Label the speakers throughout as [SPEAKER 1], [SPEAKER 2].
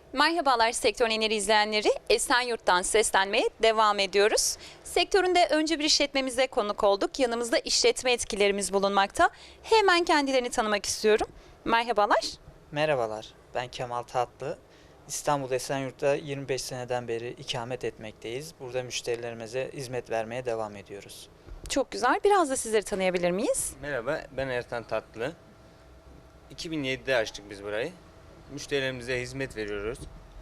[SPEAKER 1] Merhabalar Sektör Eneri izleyenleri. Esenyurt'tan seslenmeye devam ediyoruz. Sektöründe önce bir işletmemize konuk olduk. Yanımızda işletme etkilerimiz bulunmakta. Hemen kendilerini tanımak istiyorum. Merhabalar.
[SPEAKER 2] Merhabalar, ben Kemal Tatlı. İstanbul Esenyurt'ta 25 seneden beri ikamet etmekteyiz. Burada müşterilerimize hizmet vermeye devam ediyoruz.
[SPEAKER 1] Çok güzel. Biraz da sizleri tanıyabilir miyiz?
[SPEAKER 3] Merhaba, ben Ertan Tatlı. 2007'de açtık biz burayı. Müşterilerimize hizmet veriyoruz.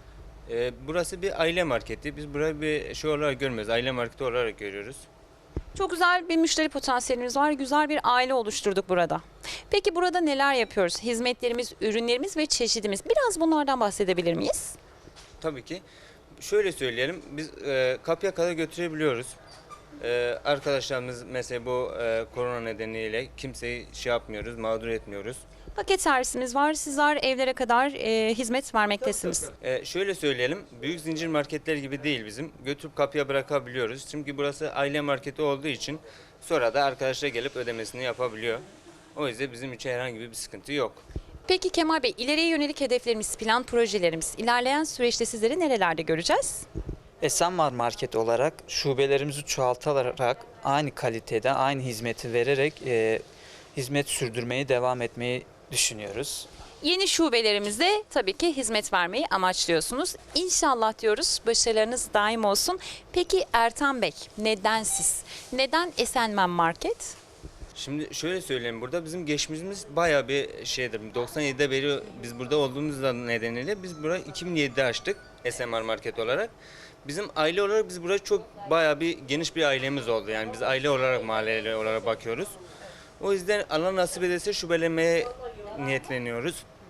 [SPEAKER 3] Burası bir aile marketi. Biz burayı bir şey olarak görmüyoruz, aile marketi olarak görüyoruz.
[SPEAKER 1] Çok güzel bir müşteri potansiyelimiz var. Güzel bir aile oluşturduk burada. Peki burada neler yapıyoruz? Hizmetlerimiz, ürünlerimiz ve çeşidimiz. Biraz bunlardan bahsedebilir miyiz?
[SPEAKER 3] Tabii ki. Şöyle söyleyelim, biz kapıya kadar götürebiliyoruz. Arkadaşlarımız mesela bu korona nedeniyle kimseyi şey yapmıyoruz, mağdur etmiyoruz.
[SPEAKER 1] Paket servisimiz var. Sizler evlere kadar hizmet vermektesiniz.
[SPEAKER 3] Şöyle söyleyelim, büyük zincir marketler gibi değil bizim. Götürüp kapıya bırakabiliyoruz. Çünkü burası aile marketi olduğu için sonra da arkadaşlar gelip ödemesini yapabiliyor. O yüzden bizim için herhangi bir sıkıntı yok.
[SPEAKER 1] Peki Kemal Bey, ileriye yönelik hedeflerimiz, plan projelerimiz, ilerleyen süreçte sizleri nerelerde göreceğiz?
[SPEAKER 2] Esenmar Market olarak şubelerimizi çoğaltarak aynı kalitede, aynı hizmeti vererek hizmet sürdürmeyi devam etmeyi düşünüyoruz.
[SPEAKER 1] Yeni şubelerimizde tabii ki hizmet vermeyi amaçlıyorsunuz. İnşallah diyoruz, başarılarınız daim olsun. Peki Ertan Bey, neden siz? Neden Esenmen Market?
[SPEAKER 3] Şimdi şöyle söyleyeyim, burada bizim geçmişimiz bayağı bir şeydir. 97'de beri biz burada olduğumuz nedeniyle biz burayı 2007'de açtık SMR Market olarak. Bizim aile olarak biz buraya çok bayağı bir geniş bir ailemiz oldu. Yani biz aile olarak, mahalle olarak bakıyoruz. O yüzden Allah nasip ederse şubelemeye niyetleniyoruz.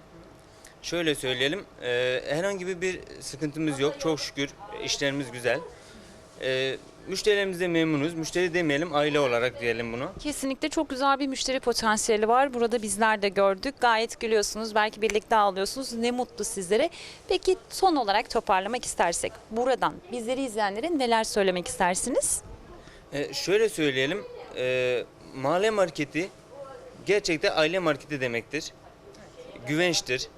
[SPEAKER 3] Şöyle söyleyelim, herhangi bir sıkıntımız yok. Çok şükür işlerimiz güzel. Müşterilerimiz de memnunuz. Müşteri demeyelim, aile olarak diyelim bunu.
[SPEAKER 1] Kesinlikle çok güzel bir müşteri potansiyeli var. Burada bizler de gördük. Gayet gülüyorsunuz. Belki birlikte ağlıyorsunuz. Ne mutlu sizlere. Peki son olarak toparlamak istersek buradan bizleri izleyenlere neler söylemek istersiniz?
[SPEAKER 3] Şöyle söyleyelim, mahalle marketi gerçekten aile marketi demektir. Güvençtir.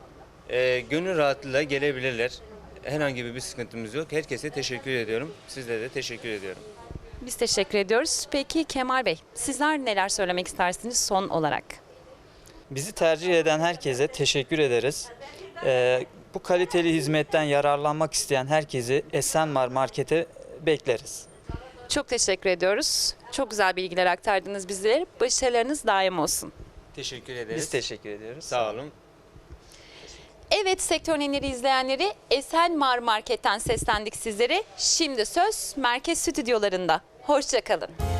[SPEAKER 3] Gönül rahatlığıyla gelebilirler. Herhangi bir sıkıntımız yok. Herkese teşekkür ediyorum. Sizlere de teşekkür ediyorum.
[SPEAKER 1] Biz teşekkür ediyoruz. Peki Kemal Bey, sizler neler söylemek istersiniz son olarak?
[SPEAKER 2] Bizi tercih eden herkese teşekkür ederiz. Bu kaliteli hizmetten yararlanmak isteyen herkesi Esenmar Market'e bekleriz.
[SPEAKER 1] Çok teşekkür ediyoruz. Çok güzel bilgiler aktardınız bizlere. Başarılarınız daim olsun.
[SPEAKER 3] Teşekkür ederiz.
[SPEAKER 2] Biz teşekkür ediyoruz.
[SPEAKER 3] Sağ olun.
[SPEAKER 1] Evet Sektör Eneri izleyenleri, Esenmar Market'ten seslendik sizlere. Şimdi söz merkez stüdyolarında. Hoşça kalın.